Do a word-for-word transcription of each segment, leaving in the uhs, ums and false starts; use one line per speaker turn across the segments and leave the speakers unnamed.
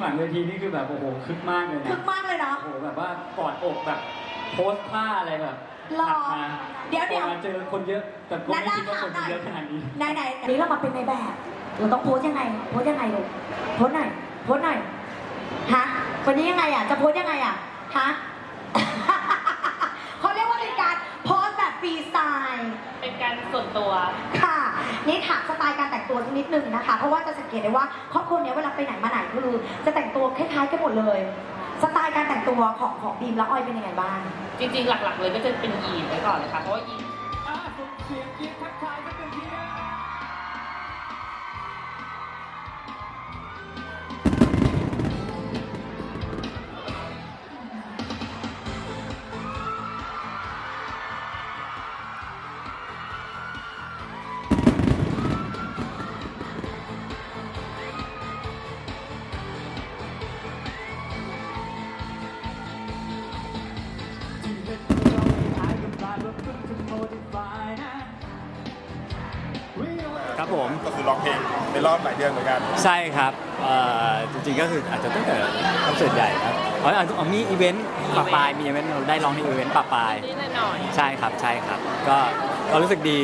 หลังเวทีนี่คือแบบโอ้โหคึกมากเลยนะ
คึกมากเลยเนาะ
โอ้โหแบบว่ากอดอกแบบโพสท่าอะไรแบบ
รอ
ถัดมา
เดี๋ยวเดี๋ยว
พอมาเจอคนเยอะ แต่ก็ไม่คิดว่าคนจะเยอะขนาดนี้
ไหนไหนๆนี้เรามาเป็นในแบบ เราต้องโพสยังไง โพสยังไงลูกโพสหน่อยโพสหน่อยฮะวันนี้ยังไงอ่ะ จะโพสยังไงอ่ะ ฮะ เขาเรียกว่าเป็นการโพสแบบฟรีสไตล์
เป็นการส่วนตัว
ค่ะ นี่ถามสไตล์การแต่งตัวสักนิดนึงนะคะ เพราะว่าจะสังเกตได้ว่าครอบครัวเนี้ยเวลาไปไหนมาไหนคือจะแต่งตัวคล้ายๆกันหมดเลย สไตล์การแต่งตัวของของบีมและออยเป็นยังไงบ้าง
จริงๆ หลักๆ เลยก็จะเป็นยีนไว้ก่อนเลยค่ะ เพราะว่ายีน
อ่ะส่งเสียงกรี๊ดทักทายกันเป็นทีนะ
ครับผม
ก็คือร้องเพลงในรอบหลายเดือนเหมือนกัน
ใช่ครับเอ่อจริงๆก็คืออาจจะตั้งแต่คอนเสิร์ตใหญ่ครับอ๋ออาจจะมีอีเวนต์ปะปายมีอีเวนต์เราได้ร้องในอีเวนต์ปะปาย
นิดหน่อย
ใช่ครับใช่ครับก็ก็รู้สึกดี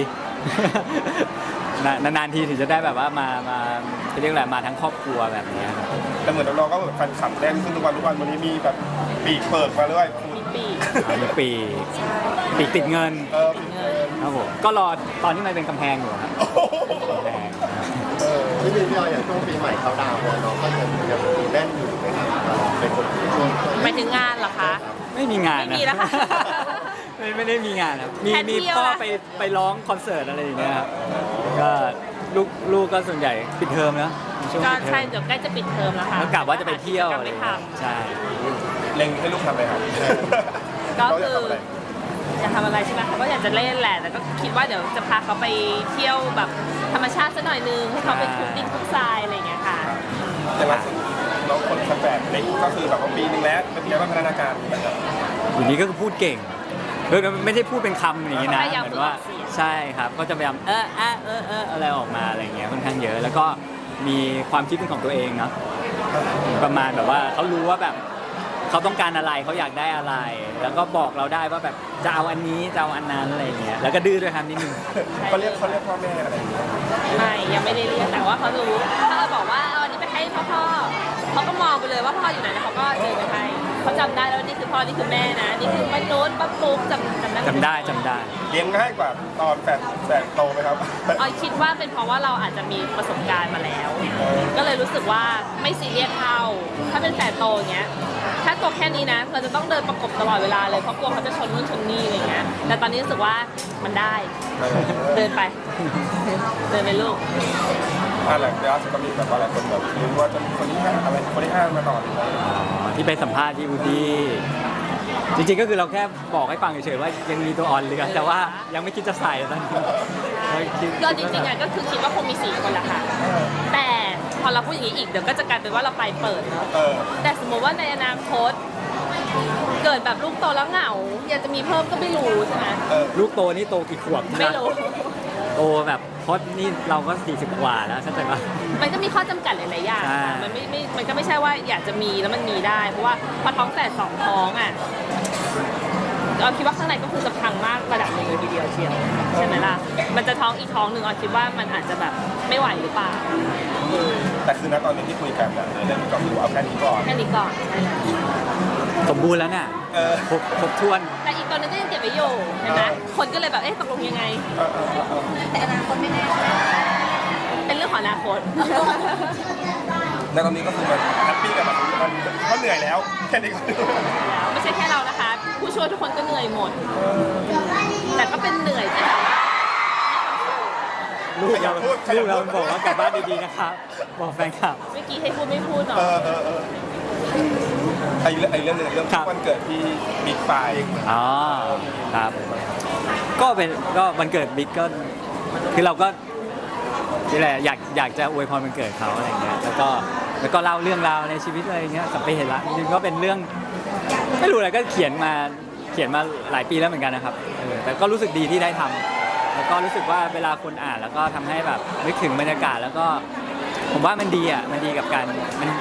นานๆทีถึงจะได้แบบว่ามามาจะเรียกอะไรมาทั้งครอบครัวแบบนี้ครับ
แต่เหมือนน้องๆก็แบบแฟนคลับแน่นขึ้นทุกวันทุกวันวันนี้มีแบบปีกเปิดมาเรื่อยคุณ
มีปีก
อ่ามีปีปีกติดเงิน
เออปีกเปิด
ครับผมก็รอตอนที่มันเป็นกำแพงอยู่ครับ
โอ้โห
กำแพง
เออพี่บีพี่ออยอย่างช่วงปีใหม่เขาดาวน์เนี่ยน้องก็ยังยังมีแน่นอยู่ไหมครับเป็นคนที่ช่วง
หมายถึงงานเหรอคะ
ไม่มีงานนะ
ไม่มีแล้วค่ะ
ไม่ไม่ได้มีงานครับมี
แค่
มี
เที่ยว
พ่อ
นะ
ไปไปร้องคอนเสิร์ตอะไรอย่างเงี้ยครับก็ลูกลูกก็ส่วนใหญ่ปิดเทอมนะช่วง
ก็
ปิดเทอ
ใช่
ม
เดี๋ยวใกล้จะปิดเทอมแล้วค่ะ
แล้วกะว่าจะไปเที่ยว
ก็
อะไร
ไม่
อย่าง
ท
เงี้ยใช่
เล็งให้ลูกทำอะไรครับ
ำก็
น้ง
คือ
อยากทำอะไร
อยากทำอะไรใช่ไหมเขาก็อยากจะเล่นแหละ แต่ก็คิดว่าเดี๋ยวจะพาเขาไปเที่ยวแบบธรรมชาติสักหน่อยนึงให้เขาไปคลุกดินคลุกทรายอะไรอย่างเงี้ยค่ะ
อย่างล่าสุดน้องคนแฝดเล็กก็คือแบบว่าปีนึงแล้วเป็นยังไงบ้างพัฒนาการนะครับ
อยู่นี้ก็คือพูดเก่งเออไม่ได้พูดเป็นคำอย่างนี้นะ
พยายาม
เหมือนว่า
ฝึกออกเสียง
ใช่ครับก็จะพยายามเออเออเออเอออะไรออกมาอะไรอย่างเงี้ยค่อนข้างเยอะ แล้วก็มีความคิดเป็นของตัวเองเนาะประมาณแบบว่าเขารู้ว่าแบบเขาต้องการอะไรเขาอยากได้อะไร แล้วก็บอกเราได้ว่าแบบจะเอาอันนี้จะเอาอันนั้นอะไรอย่างเงี้ยแล้วก็ดื้อด้วยครับนิดนึง
เขาเรียกเขาเรียกพ่อแม่อะไรอย่างเงี้ย
ไม่ยังไม่ได้เรียกแต่ว่าเขารู้ถ้าเราบอกว่าเอาอันนี้ไปให้พ่อพ่อเขาก็มองไปเลยว่าพ่ออยู่ไหนแล้วเขาก็เดินไปให้เขาจำได้แล้วว่านี่คือพ่อนี่คือแม่นะนี่คือป้าโน้ตป้าปุ๊กจำจำได้ไหม
จำได้จำได้
เลี้ยงง่ายกว่าตอนแฝดแฝดโตไหมครับ
ออยคิดว่าเป็นเพราะว่าเราอาจจะมีประสบการณ์มาแล้ว ก็เลยรู้สึกว่าไม่ซีเรียสเท่า ถ้าเป็นแฝดโตอย่างเงี้ย ถ้าตัวแค่นี้นะ เราจะต้องเดินประกบตลอดเวลาเลยเพราะกลัวเขาจะชนนู่นชนนี่อะไรเงี้ย แต่ตอนนี้รู้สึกว่ามันได้ เดินไป เดินไปลูก
อ่าหลังจากนั้นก็มีแบบว่าหลายคนแบบรู้ว่าจะมีคนที่ห้าอะไรคนที่ห้ามาต่อเลย
อ๋อที่ไปสัมภาษณ์ที่วูดดี้จริงๆก็คือเราแค่บอกให้ฟังเฉยๆว่ายังมีตัวอ่อนเหลือแต่ว่ายังไม่คิดจะใส่ตอนนี้คิด
ก็จริงๆอ่ะก็คือคิดว่าคงมีสี่คนแหละค่ะ แต่พอเราพูดอย่างนี้อีกเดี๋ยวก็จะกลายเป็นว่าเราไปเปิดเนาะ
เออ
แต่สมมติว่าในอนาคต เกิดแบบลูกโตแล้วเหงา อยากจะมีเพิ่มก็ไม่รู้ใช่ไหม
เออ
ลูกโตนี่โตกี่ขวบ
ไม่รู้
โตแบบเพราะนี่เราก็สี่สิบกว่าแล้วใช่ไหม
มันก็มีข้อจำกัดหลายๆอย่าง
ใช่
ค่ะมันไม่ไม่มันก็ไม่ใช่ว่าอยากจะมีแล้วมันมีได้ เพราะว่าพอท้องแฝดสองท้องอ่ะเราคิดว่าข้างในก็คือจะพังมากระดับหนึ่งเลยทีเดียวเชียวใช่ไหมล่ะ มันจะท้องอีกท้องหนึ่งเราคิดว่ามันอาจจะแบบไม่ไหวหรือเปล่า
แต่คือณตอนนี้ที่คุยกันเนี่ยเรื่องนี้ก็คือเอาแค่นี้ก่อน
แค่นี้ก่อนใช่แล้ว
สมบูรณ์แล้วน่ะ
เออ
ครบครบถ้วน
แต่อีกตัวหนึงก็ยังเก็บไว้อยู่เห็นไหมคนก็เลยแบบเอ๊ะตกลงยังไง
เออเออเออเออ
แต่อนาคตไม่แน่
เป็นเรื่องของอนาคต
ณตอนนี้ก็คือมันแฮปปี้กับแบบมันก็เหนื่อยแล้วแค่นี้ก็
ไม่ใช่แค่เรานะคะ ผู้ช่วยทุกคนก็เหนื่อยหมด แต่ก็เป็นเหนื่อยที่แบบว่า
ลูกเราลูกเราบอกว่ากลับบ้านดีๆนะครับบอกแฟนคลับ
เมื่อกี้ให้พูดไม่พูดเนาะ
เออเออเออไอ้เรื่องไอ้เรื่องหนึงเรื่อง
ครับ
วันเกิดที่บิ๊กไฟ
อ๋อครับ ก็เป็นก็วันเกิดบิ๊กก็คือเราก็นี่แหละอยากอยากจะอวยพรวันเกิดเขาอะไรเงี้ยแล้วก็แล้วก็เล่าเรื่องราวในชีวิตอะไรเงี้ยสัมไปเห็นละจริงๆก็เป็นเรื่องไม่รู้อะไรก็เขียนมาเขียนมาหลายปีแล้วเหมือนกันนะครับเออแต่ก็รู้สึกดีที่ได้ทำแล้วก็รู้สึกว่าเวลาคนอ่านแล้วก็ทำให้แบบนึกถึงบรรยากาศแล้วก็ผมว่ามันดีอ่ะมันดีกับการมัน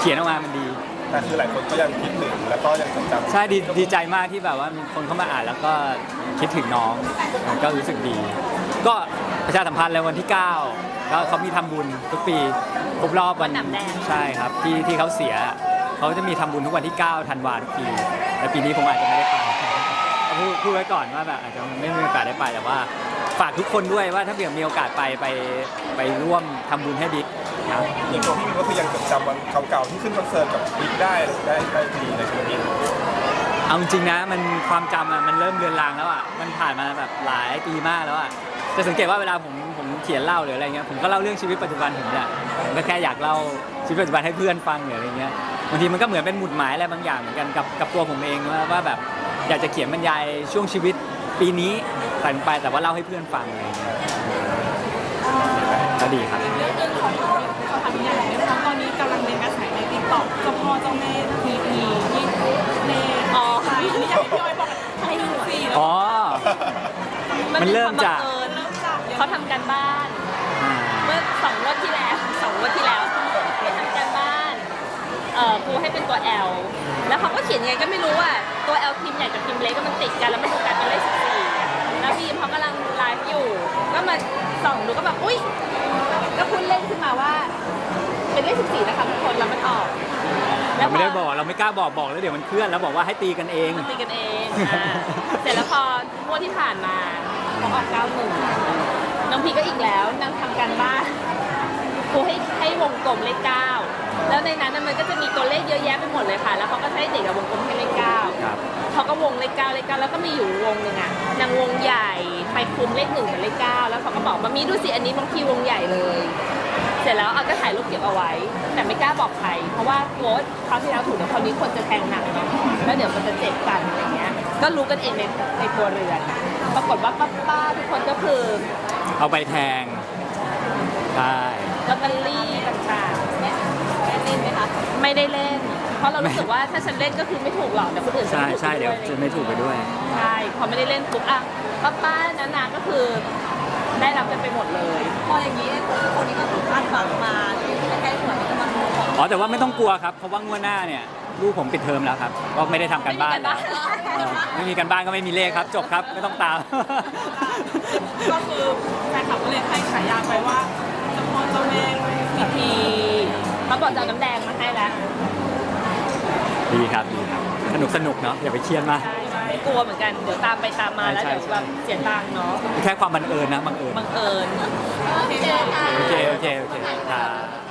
เขียนออกมามันดี
แต่คือหลายคนก็ยังคิดถึงแล้วก็ยังจดจำ
ใช่ดีดีใจมากที่แบบว่ามีคนเข้ามาอ่านแล้วก็คิดถึงน้องก็รู้สึกดี ก็ประชาสัมพันธ์เลยวันที่เก้าก็เขามีทำบุญทุกปีครบรอบวัน
วันหนำแดง
ใช่ครับที่ที่เขาเสียเขาจะมีทำบุญทุกวันที่เก้าธันวาคมทุกปีแต่ปีนี้ผมอาจจะไม่ได้ไปก็พูดพูดไว้ก่อนว่าแบบอาจจะไม่มีโอกาสได้ไปแต่ว่าฝากทุกคนด้วยว่าถ้าเผื่อมีโอกาสไปไปไปร่วมทำบุญให้บิ๊กครับ
อย่างตัวพี่มินก็คือยังจดจำวันเก่าๆที่ขึ้นคอนเสิร์ตกับบิ๊กได้ได้ได้ดีในชีวิต
เอาจริงๆนะมันความจำอะมันเริ่มเลือนลางแล้วอ่ะมันผ่านมาแบบหลายปีมากแล้วอ่ะจะสังเกตว่าเวลาผมผมเขียนเล่าหรืออะไรเงี้ยผมก็เล่าเรื่องชีวิตปัจจุบันผมเนี่ยผมก็แค่อยากเล่าชีวิตปัจจุบันให้เพื่อนฟังหรืออะไรเงี้ยบางทีมันก็เหมือนเป็นหมุดหมายอะไรบางอย่างเหมือนกันกับกับตัวผมเองว่าว่าแบบอยากจะเขียนบรรยายช่วงชีวิตปีนี้ผ่านไปแต่ว่าเล่าให้เพื่อนฟังอะไรเงี้ยก็ดีครับ
เรื่องหนึงของเขาทำอย่างนะคะตอนนี้กำลังเป็นกระแสในติ๊กต็อกเจ้าพ่อเจ้าแม่ทีพีที่ใน
อ๋อ
ไทยที่อยากให้พี่อ้อยบอก
ให้หวย
สี่แล้ว
อ๋อ มันเริ่มจาก
นเป็นควบังเอิญ
เริ่มจาก
เขาทำการบ้าน
อ่า
เมื่อสองงวดที่แล้วสองงวดที่แล้วไปทำการบ้านเอ่อครูให้เป็นตัว L แล้วเขาก็เขียนยังไงก็ไม่รู้อ่ะตัว L พิมพ์ใหญ่กับพิมพ์เล็กก็มันติดกันแล้วมันดูกลายเป็นเลขสิบสี่แล้วบีมเขากำลังไลฟ์อยู่ ก็มาส่องดูก็แบบอุ้ยก็พูดเล่นขึ้นมาว่า เป็นเลขสิบสี่นะคะทุกคนแล้วมันออก
เราไม่ได้บอกเราไม่กล้าบอกบอกแล้วเดี๋ยวมันเคลื่อนแล้วบอกว่าให้ตีกันเอง
มันตีกันเองอ่าเสร็จแล้วพองวดที่ผ่านมาเขาออกเก้าหนึ่งน้องพีก็อีกแล้วนางทำการบ้านครูให้ให้วงกลมเลขเก้าแล้วในนั้นน่ะมันก็จะมีตัวเลขเยอะแยะไปหมดเลยค่ะ แล้วเขาก็ให้เด็กอะวงกลมให้เลขเก้า
ครับ
เขาก็วงเลขเก้าเลขเก้าแล้วก็มีอยู่วงหนึ่งอะนางวงใหญ่ไปคุมเลขหนึ่งกับเลขเก้าแล้วเขาก็บอกมามีดูสิอันนี้บางทีวงใหญ่เลย เสร็จแล้วเอาก็ถ่ายรูปเก็บเอาไว้ แต่ไม่กล้าบอกใคร เพราะว่ากลัวว่าคราวที่แล้วถูกแต่คราวนี้คนจะแทงหนักเนาะแล้วเดี๋ยวมันจะเจ็บกันอะไรเงี้ย ก็รู้กันเองในในครัวเรือน ปรากฏว่าป้าๆทุกคนก็คือ
เอาไปแทงใช่
ลอตเตอรี่ต่างๆเนี่ยได้เล่นไหมคะไม่ได้เล่น เพราะเรารู้สึกว่าถ้าฉันเล่นก็คือไม่ถูกหรอกแต่คนอื่นจะ
ใช่
ถูก
ใช่เดี๋ยวจะไม่ถูกไปด้วย
ใช่พอไม่ได้เล่นปุ๊บอ่ะป้าๆนาๆก็คือได้รับกันไปหมดเลย
พออย่างนี้คนนี้ก็ถูกคาดหวังมาใกล้ๆหวยจะมาดูของ
อ๋อแต่ว่าไม่ต้องกลัวครับเพราะว่างวดหน้าเนี่ยลูกผมปิดเทอมแล้วครับก็ไม่ได้ทำการบ้านแล้วเออไม่มีการบ้านก็ไม่มีเลขครับ จบครับไม่ต้องตาม
ก็คือแฟนคลับก็เลยให้ฉายาไปว่าเจ้าพ่อเจ้าแม่ทีพี
เขาบอกจะเอาน้ำแดงมาให้แล้ว
ดีครับดีครับสนุกสนุกเนาะอย่าไปเครียดมาก
ใช่ไม่กลัวเหมือนกัน เดี๋ยวตามไปตามมาแล้ว
ใช่
เดี๋ยว
ใช่
แบบเสียตังค์เนาะ
แค่ความบังเอิญนะบังเอิญ
บังเอิญ
โอเคค่ะ
โอเคโอเคโอเคครับ